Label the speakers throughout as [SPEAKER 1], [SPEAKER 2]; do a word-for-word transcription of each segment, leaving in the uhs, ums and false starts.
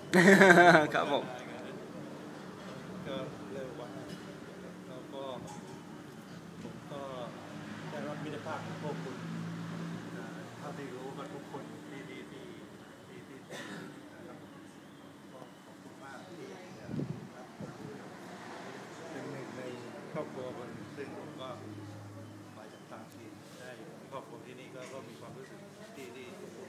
[SPEAKER 1] ครับผม
[SPEAKER 2] ก็เร็วกว่าแล้วก็ผมก็ได้รับมิตรภาพของพวกคุณเท่าที่รู้กันทุกคนที่ที่ที่ที่ที่นะครับก็ขอบคุณมากที่เป็นหนึ่งในครอบครัวคนซึ่งผมก็มาจากต่างถิ่นได้ครอบครัวที่นี่ก็ก็มีความรู้สึกที่ที่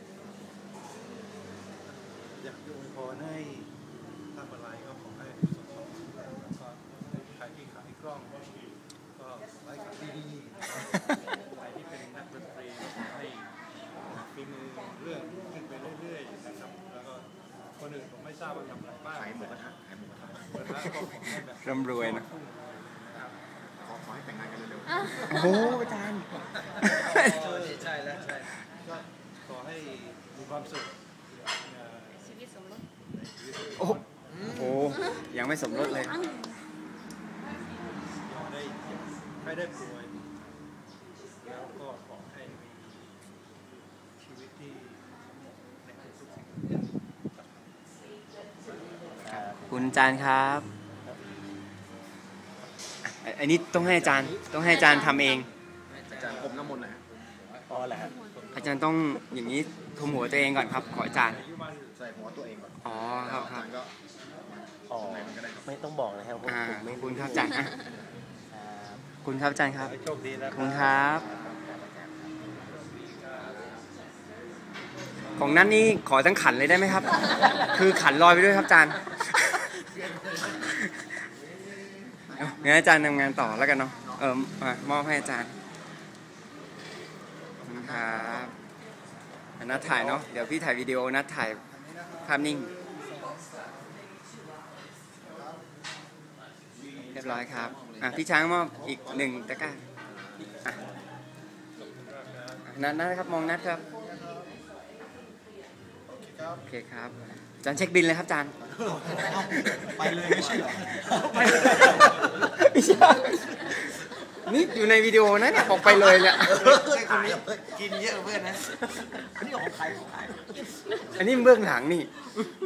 [SPEAKER 2] อยากจะอวยพรให้ทำอะไรก็ขอให้ประสบความสำเร็จแล้วก็ใครที่ขายกล้องก็ไว้ขายดีๆใครที่เป็นนักดนตรีก็ขอให้ฝีมือเรื่องขึ้นไปเรื่อยๆนะครับแล้วก็คนอื่นผมไม่ทราบว่าทำอะไรบ้างขายหมูกระทะขายหมูกระทะแล้วก็ขอให้แบบ
[SPEAKER 1] ร่ำรวยนะ
[SPEAKER 3] ขอขอให้แต่งงานกันเร็ว
[SPEAKER 1] ๆโอ้โหอาจารย์
[SPEAKER 2] ใช่แล้วใช่ก็ขอให้มีความสุข
[SPEAKER 4] ชีวิตสมรส
[SPEAKER 1] โอ้โหยังไม่สมรสเลย
[SPEAKER 2] ได้ไม่ได้ป่วยแล้วก็ขอให้มีชีวิตที่ในทุกสิ่ง
[SPEAKER 1] คุณอาจารย์ครับอันนี้ต้องให้อาจารย์ต้องให้อาจารย์ทำเอง
[SPEAKER 3] อาจารย์ผมน้ำมนต์นะ
[SPEAKER 2] อ๋อแหละ
[SPEAKER 1] อาจารย์ต้องอย่างนี้ทุมหัวตัวเองก่อนครับขออาจารย์
[SPEAKER 3] ใส่หัวตัวเองก่อน
[SPEAKER 1] อ๋อครับครับ
[SPEAKER 2] อ๋อไม่ต้องบอกนะครับผมไม่
[SPEAKER 1] คุณครับอาจารย์คุณครับอาจารย์ครับ
[SPEAKER 2] โชคดีนะ
[SPEAKER 1] คุณครับของนั้นนี่ขอทั้งขันเลยได้ไหมครับคือขันลอยไปด้วยครับอาจารย์งั้นอาจารย์ทำงานต่อแล้วกันเนาะเออมอบให้อาจารย์ครับนัดถ่ายเนาะเดี๋ยวพี่ถ่ายวิดีโอนัดถ่ายภาพนิ่งเรียบร้อยครับอ่ะพี่ช้างมอบอีกหนึ่งตะกร้าอ่ะนัดนะครับมองนัดครับโอเคครับอาจารย์เช็คบินเลยครับอาจารย์
[SPEAKER 3] ไปเลยไม่ใช่หรอ
[SPEAKER 1] ไปไม่ใช่นี่อยู่ในวิดีโอนะเนี่ยบอกไปเลยเนี่ย
[SPEAKER 3] คนนี้กินเยอะเพื่อนนะอันนี้ของใครของใคร
[SPEAKER 1] อันนี้เบื้องหลังนี่